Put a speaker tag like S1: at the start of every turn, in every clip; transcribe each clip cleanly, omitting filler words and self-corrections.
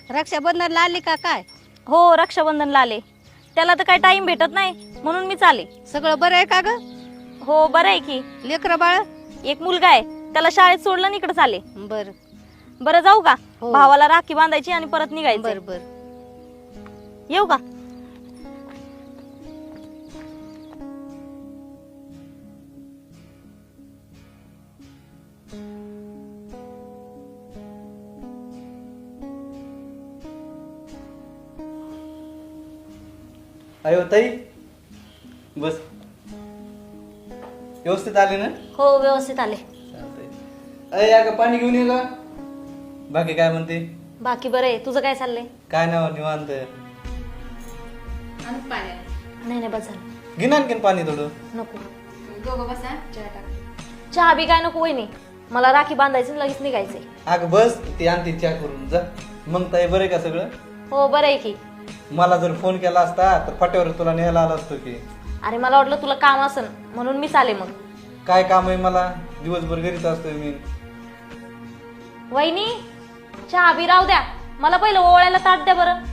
S1: रक्षाबंधनला आली का काय?
S2: हो रक्षाबंधनला आले. त्याला तर काही टाइम भेटत नाही म्हणून मी चाले.
S1: सगळं बरं आहे का ग?
S2: हो बरं आहे की.
S1: लेकरं बाळ?
S2: एक मुलगा आहे, त्याला शाळेत सोडलं आणि इकडे चाले.
S1: बर
S2: बरं जाऊ का?
S1: हो.
S2: भावाला राखी बांधायची आणि परत निघायचं.
S1: बर बर.
S2: येऊ का?
S3: अयो ताई बस. व्यवस्थित आले ना?
S2: हो व्यवस्थित आले.
S3: चालतंय. अय अगं पाणी घेऊन ये का? बाकी काय म्हणते?
S2: बाकी बरं आहे. तुझं काय चाललंय?
S3: काय नाव निवांत.
S2: नाही नाही बस झालं.
S3: घे ना आणखीन पाणी थोडं.
S2: नको. चहा बी काय नको वहिनी. मला राखी बांधायची लगेच निघायचंय.
S3: अगं बस ती आणते चहा करून जा. मग ताई बरं आहे का सगळं?
S2: हो बरं आहे की.
S3: मला जर फोन केला असता तर फाट्यावर तुला न्यायला आला असतो की.
S2: अरे मला वाटलं तुला काम असन म्हणून मी चाले. मग
S3: काय काम आहे मला? दिवसभर घरीच असतोय मी.
S2: वहिनी चहा बी राहू द्या. मला पहिलं ओवाळायला ताट द्या बरं.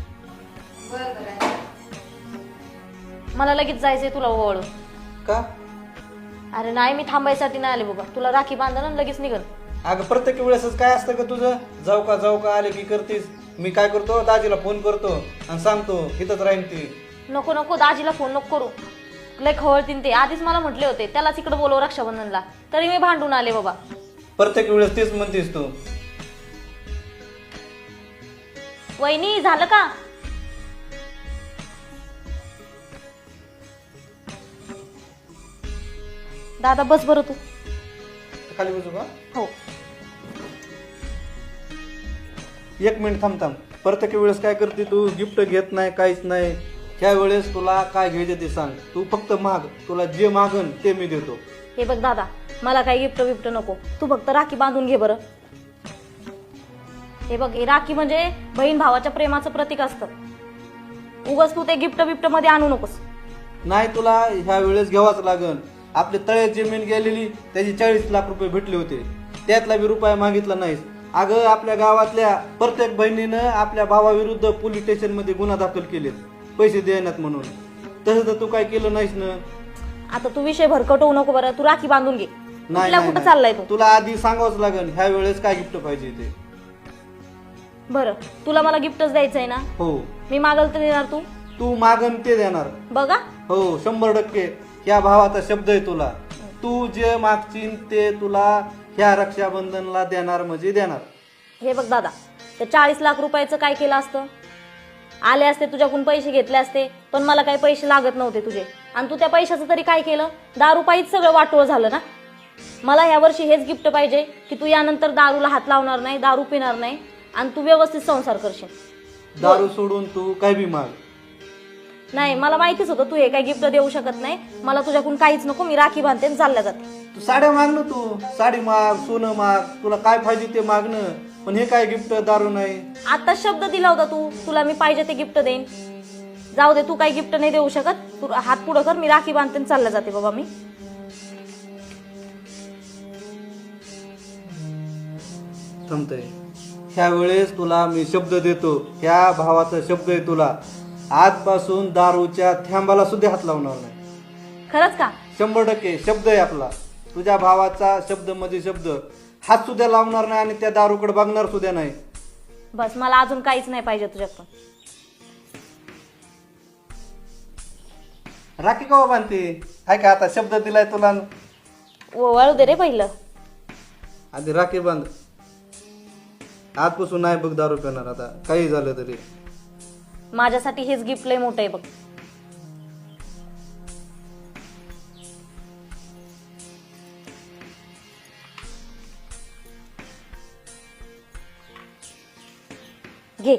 S2: मला लगेच जायचंय तुला ओवाळून.
S3: का?
S2: अरे नाही मी थांबायसाठी नाही आले बाबा. तुला राखी बांधणं आणि लगेच निघन.
S3: अगं प्रत्येक वेळेसच काय असतं का तुझं? जाऊ का आले की करतीस. मी काय करतो दाजीला फोन करतो आणि सांगतो इथंच राहीन ती.
S2: नको नको दाजीला फोन नको करू. लय खवळतीन ते. आधीच मला म्हटले होते त्यालाच इकडे बोलव रक्षाबंधनला. तरी मी भांडून आले बाबा.
S3: प्रत्येक वेळेस तेच म्हणतेस तू.
S2: वहिनी झालं का? दादा बस बरं तू.
S3: खाली बसू का?
S2: हो.
S3: एक मिनिट थांब. प्रत्येक वेळेस काय करते तू? गिफ्ट घेत नाही काहीच नाही. ह्या वेळेस तुला काय घ्यायचं ते सांग. तू फक्त माग. तुला जे मागन ते मी देतो.
S2: हे बघ दादा मला काही गिफ्ट बिफ्ट नको. तू फक्त राखी बांधून घे बरं. हे बघ हे राखी म्हणजे बहीण भावाच्या प्रेमाचं प्रतीक असतं. उगाच तू ते गिफ्ट बिफ्ट मध्ये आणू नकोस.
S3: नाही तुला ह्या वेळेस घ्यावाच लागन. आपले तळ्यात जमीन गेलेली त्याची 40 लाख रुपये भेटले होते. त्यातला बी रुपया मागितला नाहीस. अगं आपल्या गावातल्या प्रत्येक बहिणीनं आपल्या भावाविरुद्ध पोलीस स्टेशन मध्ये गुन्हा दाखल केलेत पैसे देण्यात म्हणून. तसं तर तू काय केलं नाहीस ना.
S2: आता तू विषय भरकट होऊ नको बरं. तू राखी बांधून घे.
S3: नाही
S2: कुठं चाललाय तू?
S3: तुला आधी सांगावंच लागन ह्या वेळेस काय गिफ्ट पाहिजे ते.
S2: बरं तुला मला गिफ्टच द्यायचंय ना?
S3: हो.
S2: मी मागल तर देणार तू?
S3: तू मागन ते देणार.
S2: बघा.
S3: हो 100%. ह्या भावाचा शब्द आहे तुला. तू जे मागशील ते तुला ह्या रक्षाबंधनला देणार म्हणजे देणार.
S2: हे बघ दादा ते 40 लाख रुपयाचं काय केलं असतं? आले असते तुझ्याकडून पैसे घेतले असते पण मला काही पैसे लागत नव्हते तुझे. आणि तू त्या पैशाचं तरी काय केलं? दारू पायीच सगळं वाटोळ झालं ना. मला ह्या वर्षी हेच गिफ्ट पाहिजे की तू यानंतर दारूला हात लावणार नाही, दारू पिणार नाही आणि तू व्यवस्थित संसार करशील.
S3: दारू सोडून तू काय बी माग.
S2: नाही मला माहितीच होतं तू हे काही गिफ्ट देऊ शकत नाही. मला तुझ्याकडून काहीच नको. मी राखी बांधते आणि चालल्या जाते.
S3: तू साड्या माग ना. तू साडी माग, सोनं माग, तुला काय पाहिजे ते मागणं. पण हे काय गिफ्ट? दारू नाही.
S2: आता शब्द दिला होता तू तुला मी पाहिजे ते गिफ्ट देईन. जाऊ दे तू काही गिफ्ट नाही देऊ शकत. तू हात पुढं कर. मी राखी बांधते आणि चालल्या जाते बाबा मी.
S3: थांबतय. ह्या वेळेस तुला मी शब्द देतो. ह्या भावाचा शब्द आहे तुला. आजपासून दारूच्या थेंबाला सुद्धा हात लावणार नाही.
S2: खरंच का?
S3: 100% शब्द आहे आपला. तुझ्या भावाचा शब्द म्हणजे शब्द. हात सुद्धा लावणार नाही आणि त्या दारूकडे बघणार सुद्धा नाही.
S2: बस मला अजून काहीच नाही पाहिजे तुझ्याकडून.
S3: राखी कवा बांधते? हाय का आता शब्द दिलाय तुला.
S2: वळू दे रे पहिलं.
S3: आधी राखी बांध. आजपासून नाही बघ दारू पिणार आता काही झालं तरी.
S2: माझ्यासाठी हेच गिफ्ट लय मोठं आहे बघ. घे.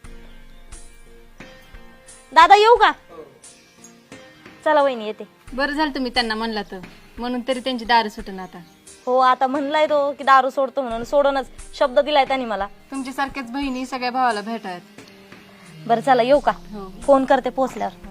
S2: दादा येऊ का? चला वहिनी येते.
S1: बरं झालं तुम्ही त्यांना म्हणला तर. म्हणून तरी त्यांची दारू सुटून आता.
S2: हो आता म्हणलाय तो की दारू सोडतो म्हणून. सोडूनच शब्द दिलाय त्यांनी मला.
S1: तुमच्यासारख्याच बहिणी सगळ्या भावाला भेटायत.
S2: बरं चला येऊ का?
S1: हो.
S2: फोन करते पोहोचल्यावर.